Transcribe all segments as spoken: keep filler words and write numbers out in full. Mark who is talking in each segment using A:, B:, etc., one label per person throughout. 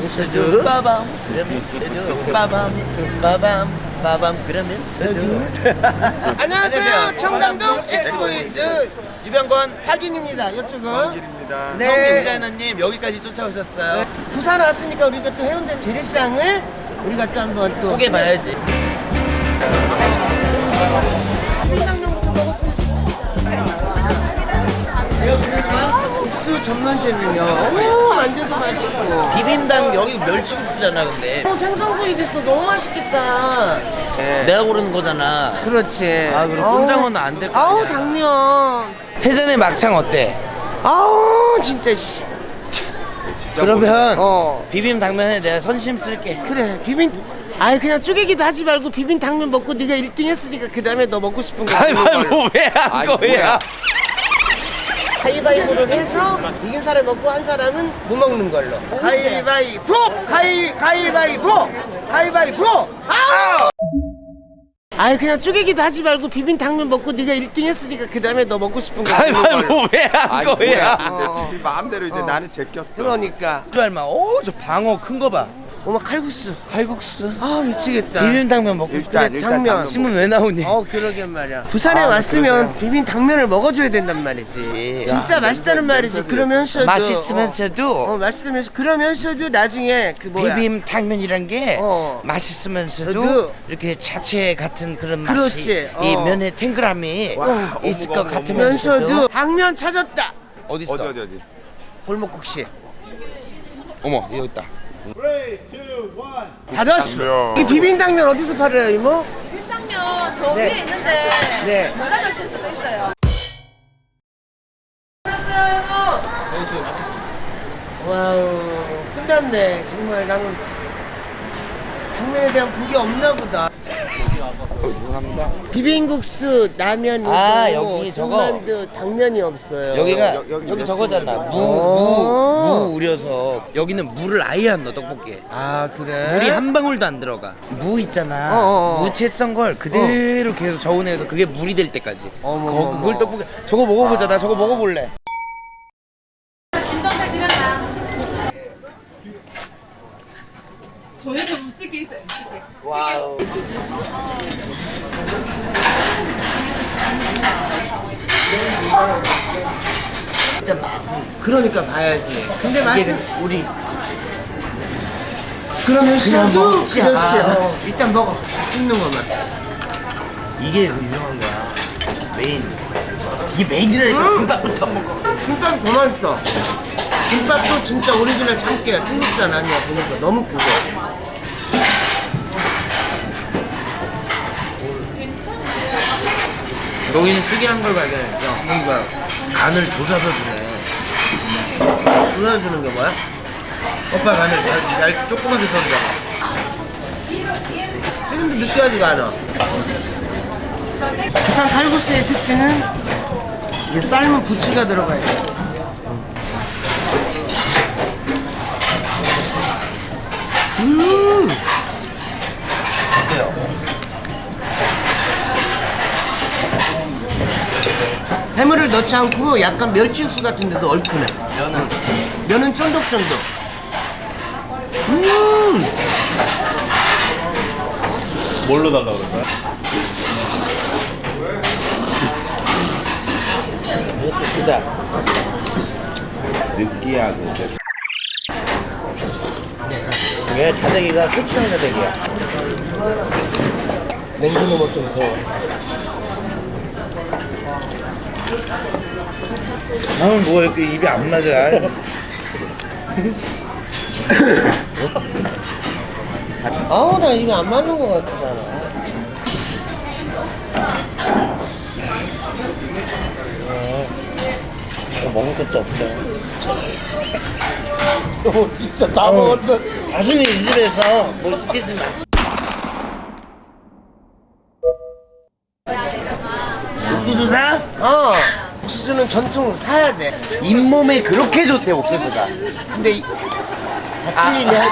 A: 그러면서도 빠밤 그러면서도 빠밤 빠밤 빠밤 그러면서도.
B: 안녕하세요. 청담동 엑스보이즈
A: 유병권
B: 박인입니다. 이쪽은
C: 성길입니다.
B: 네.
A: 성기 디자이너님 여기까지 쫓아오셨어요.
B: 네. 부산 왔으니까 우리가 또 해운대 재래시장을 우리가 또 한번 또
A: 보게 봐야지.
B: 국수 전문점이요. 오, 만져도 맛있고.
A: 비빔당 여기 멸치국수잖아 근데.
B: 어, 생선구이 됐어. 너무 맛있겠다.
A: 네. 내가 고르는 거잖아.
B: 그렇지.
A: 아 그럼 꼼장어는 안 될 거 아니야.
B: 아우 당면.
A: 해전의 막창 어때?
B: 아우 진짜 씨.
C: 진짜
A: 그러면
B: 어.
A: 비빔 당면에 내가 선심 쓸게.
B: 그래 비빔. 아이 그냥 쪼개기도 하지 말고 비빔 당면 먹고 네가 일 등 했으니까 그 다음에 너 먹고 싶은 거 먹는 걸로.
A: 가위바위보 왜한
C: 아니,
A: 거야?
C: 뭐야.
B: 가위바위보를 해서 이긴 사람 먹고 한 사람은 못 먹는 걸로. 가위바위보! 가위 가위바위보! 가위바위보! 아우! 아이 그냥 쪼개기도 하지 말고 비빔 당면 먹고 네가 일 등 했으니까 그 다음에 너 먹고 싶은 거 먹는 걸로.
A: 가위바위보 왜한
C: 아니,
A: 거야?
C: 뭐야. 근데 네 마음대로 이제
B: 어.
C: 나는 제꼈어.
B: 그러니까.
A: 말마. 오저 방어 큰 거 봐.
B: 어머 칼국수.
A: 칼국수.
B: 아 미치겠다.
A: 비빔 당면 먹고
C: 일단
B: 그래,
C: 일단
B: 당면.
C: 당면
A: 심은 왜 나오니?
B: 어 그러게 말이야. 부산에
C: 아,
B: 왔으면
C: 그러세요?
B: 비빔 당면을 먹어줘야 된단 말이지.
A: 예.
B: 진짜
C: 야,
B: 맛있다는
C: 냄새,
B: 말이지.
C: 냄새
B: 그러면서도
A: 맛있으면서도
B: 어, 어 맛있으면서 그러면서도 나중에 그 뭐야.
A: 비빔 당면이란 게
B: 어.
A: 맛있으면서도
B: 저도.
A: 이렇게 잡채 같은 그런
B: 그렇지,
A: 맛이 이
B: 어.
A: 면의 탱글함이
C: 와,
A: 있을
C: 어묵,
A: 것
C: 어묵,
A: 같으면서도
B: 면서도 당면 찾았다.
A: 어디 있어?
C: 어디 어디 어디.
B: 골목국시.
A: 어머 여기 있다.
B: 받았어.
C: 당면.
B: 이 비빔 당면 어디서 팔아요, 이모?
D: 일당면 저
B: 네.
D: 위에 있는데
B: 네.
D: 못 가져오실 수도 있어요.
B: 와우, 끝났네. 정말 나는 당면에 대한 복이 없나 보다. 비빔국수, 라면이고
A: 아, 여기 저거.
B: 전만두, 당면이 없어요.
A: 여기가
C: 여- 여기
A: 여기
C: 몇
A: 저거잖아.
C: 층이에요?
A: 무무
B: 어.
A: 무 우려서 여기는 물을 아예 안 넣어 떡볶이에.
B: 아 그래?
A: 물이 한 방울도 안 들어가. 무 있잖아.
B: 어, 어, 어.
A: 무채 썬 걸 그대로 계속 저온해서 그게 물이 될 때까지.
B: 어머,
A: 거,
B: 어머.
A: 그걸 떡볶이. 저거 먹어보자. 나 저거 먹어볼래.
D: 진동잘 드렸나? 저희도 묵직이 있어요. 묵직이.
A: 와우.
B: 일단 맛은 그러니까 봐야지. 근데 맛은
A: 우리
B: 그러면 시어도
A: 먹지.
B: 그렇지.
A: 아.
B: 어, 일단 먹어. 씹는 것만.
A: 이게 그 유명한 거야. 메인. 이게 메인이라니까.
B: 음.
A: 김밥부터 먹어.
B: 김밥이 더 맛있어. 김밥도 진짜 오리지널 참깨야. 중국산 아니야. 보니까 너무 크고.
A: 여기는 특이한 걸 발견했죠.
B: 뭔가
A: 간을 조사서 주네.
B: 불러주는 게 뭐야?
A: 오빠 간을 얇, 얇, 조그맣게 썰어잖아.
B: 지금도 느끼하지가 않아. 부산 칼국수의 특징은 이게 삶은 부추가 들어가야 돼. 음.
A: 어때요?
B: 해물을 넣지 않고 약간 멸치 육수 같은데도 얼큰해.
A: 면은
B: 면은 쫀득쫀득. 음.
E: 뭘로 달라고 그런 거야?
A: 이것도 크다.
C: 느끼하고.
A: 이게 다대기가 고추장 다대기야.
B: 냉수 넣으면 좀 더.
A: 나는 뭐가 이렇게 입이 안 맞아.
B: 아우 나 입에 안 맞는 것 같잖아.
A: 이거 먹을 것도 없어.
B: 어 진짜 다 먹었다.
A: 다시는 이 집에서 뭐 시키지 마. 옥수수 사?
B: 어. 옥수수는 전통 사야 돼.
A: 잇몸에 그렇게 좋대 옥수수가.
B: 근데 이... 다 틀리네.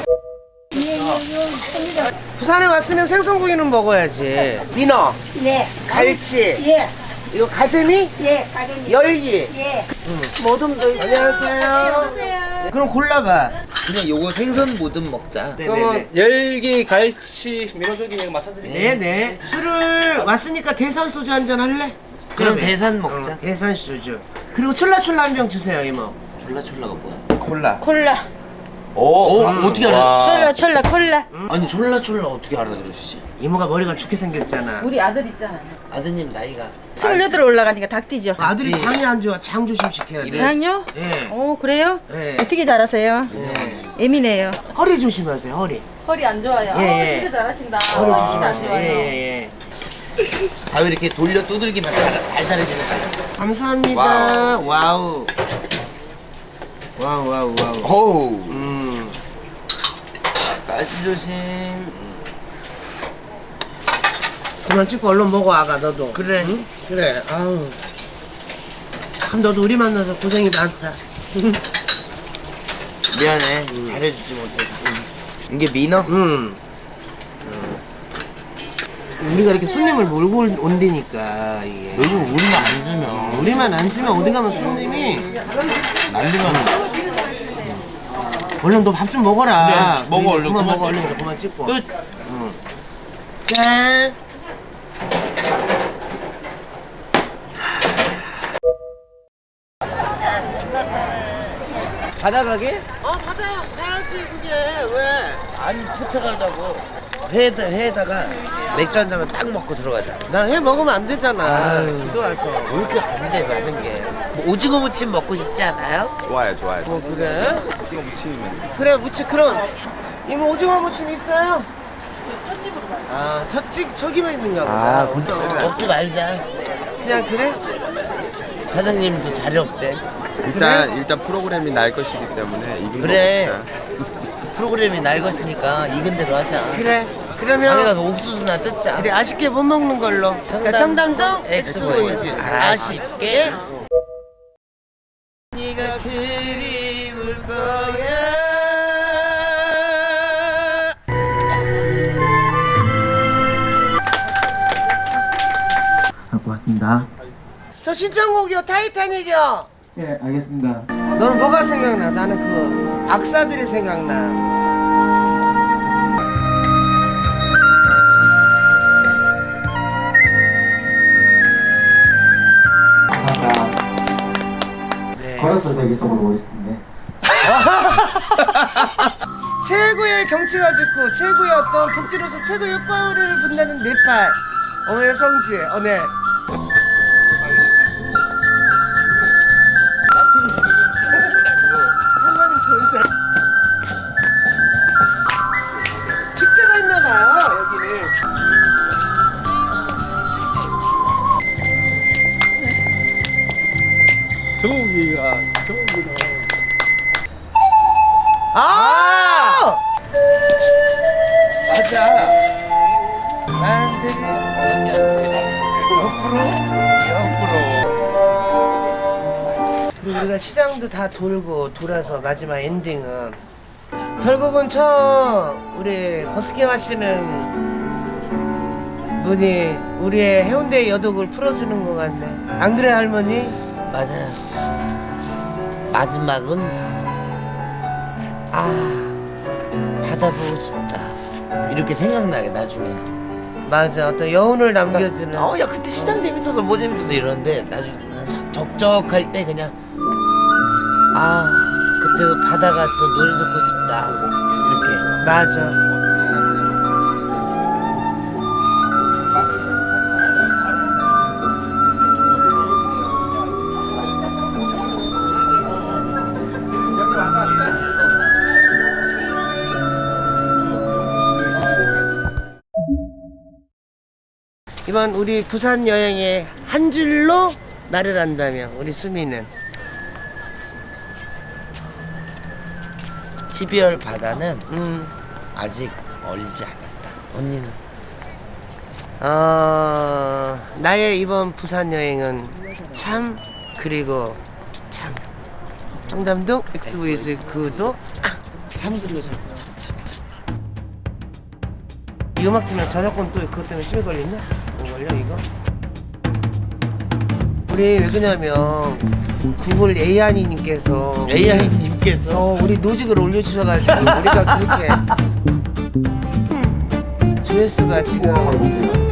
B: 부산에 왔으면 생선구이는 먹어야지. 민어,
D: 예.
B: 갈치,
D: 예.
B: 이거 가재미,
D: 예. 가게님.
B: 열기.
D: 예.
B: 모둠도. 안녕하세요.
D: 오세요.
B: 그럼 골라봐.
A: 그냥 요거 생선 모듬 먹자.
E: 그러면 열기 갈치 민호조기 마사드릴게요.
B: 네네. 술을 왔으니까 대산 소주 한 잔 할래?
A: 그럼
B: 그러면.
A: 대산 먹자.
B: 어, 대산 소주. 그리고 촐라촐라 한 병 주세요 이모.
A: 졸라졸라가 뭐야?
C: 콜라.
D: 콜라.
C: 오,
A: 어, 어떻게 알아?
D: 촐라 촐라 콜라.
A: 아니 졸라졸라 어떻게 알아들으시지?
B: 이모가 머리가 좋게 생겼잖아.
D: 우리 아들 있잖아요.
A: 아드님 나이가
D: 스물여덟 올라가니까 닭 뛰죠.
B: 아들이
A: 네.
B: 장이 안 좋아. 장 조심시켜야 돼.
D: 장요?
B: 예.
D: 오 그래요?
B: 네.
D: 어떻게 잘하세요?
B: 예.
D: 예민해요.
B: 허리 조심하세요. 허리.
D: 허리 안 좋아요.
B: 예, 예.
D: 어, 진짜 잘하신다.
B: 허리
D: 진짜 안
B: 조심하세요.
D: 좋아요.
B: 예예예.
A: 다 이렇게 돌려 두들기만 달- 달달해지는 거지.
B: 감사합니다. 와우. 와우 와우 와우.
A: 어우
B: 음.
A: 가시 조심.
B: 그만 찍고 얼른 먹어 아가 너도.
A: 그래.
B: 응? 그래. 아우. 참 너도 우리 만나서 고생이 많다.
A: 미안해 잘해주지 못해서. 이게 민어?
B: 음. 우리가 이렇게 손님을 몰고 올- 온다니까 이게.
A: 요즘 우리만 안 주면
B: 우리만 안 쓰면 어디 가면 손님이
A: 난리가 나.
B: 얼른 너 밥 좀 먹어라.
A: 그래, 먹어, 얼른.
B: 그만
A: 그만
B: 먹어
A: 찍고.
B: 얼른 그만 찍고.
A: 끝.
B: 응. 짠.
A: 바다 가게?
B: 어 바다 가야지 그게 왜?
A: 아니 포차 가자고. 회에다 회에다가 맥주 한 잔만 딱 먹고 들어가자.
B: 나 해 먹으면 안 되잖아.
A: 아유.
B: 또 와서.
A: 왜 이렇게 안 돼 많은 게? 뭐 오징어 무침 먹고 싶지 않아요?
C: 좋아요, 좋아요.
B: 뭐 그래?
C: 이거 무침이면.
B: 그래 무치 그럼 이모 오징어 무침 있어요?
D: 첫 집으로 가요.
B: 아 첫집 저기만 있는가 보다.
A: 아, 먹지 말자.
B: 그냥 그래?
A: 사장님도 자리 없대.
C: 일단 일단 프로그램이 날 것이기 때문에 익은
A: 그래.
C: 거 먹자.
A: 프로그램이 날 것이니까 익은 대로 하자.
B: 그래.
A: 방에
B: 그러면
A: 가서 옥수수나 뜯자.
B: 그래 아쉽게 못 먹는 걸로. 자 청담동
A: 엑스보이즈.
B: 엑스보이즈.
A: 아쉽게.
B: 네가 그리울 거야.
F: 고맙습니다.
B: 저 신청곡이요 타이타닉이요.
F: 예, 알겠습니다.
B: 너는 뭐가 생각나? 나는 그 악사들이 생각나.
F: 감사합니다.
B: 네.
F: 걸어서 여기서 보겠습니다.
B: 최고의 경치가 좋고 최고의 어떤 복지로서 최고의 효과를 본다는 네팔. 어머의 성지. 어, 네. 한 번은 더 이제 축제가 있나봐요 여기는.
E: 조기가 조기가.
B: 아!
A: 맞아. 나한테 옆으로 옆으로.
B: 그리고 우리가 시장도 다 돌고 돌아서 마지막 엔딩은 결국은 저 우리 버스킹 하시는 분이 우리의 해운대 여독을 풀어주는 것 같네. 안 그래 할머니?
A: 맞아요. 마지막은 아 바다 보고 싶다. 이렇게 생각나게 나중에.
B: 맞아. 어떤 여운을 남겨주는.
A: 어 야 그때 시장 재밌어서 뭐 재밌어서 이러는데 나중에 좀 적적할 때 그냥 아 그때 그 바다 가서 노래 듣고 싶다 이렇게.
B: 맞아. 이번 우리 부산 여행의 한 줄로 말을 한다면 우리 수미는
A: 십이월 바다는
B: 음,
A: 아직 얼지 않았다.
B: 언니는 어, 나의 이번 부산 여행은 참 그리고 참 청담동 엑스보이즈 구도 아, 참 그리고 참 참 참 참 이 음악 틀면 저작권 또 그것 때문에 심해 걸리나? 뭐 걸려 이거? 우리 왜 그러냐면 구글 에이아이님께서
A: 에이아이님께서
B: 우리 노직을 올려주셔가지고 우리가 그렇게 조회수가 지금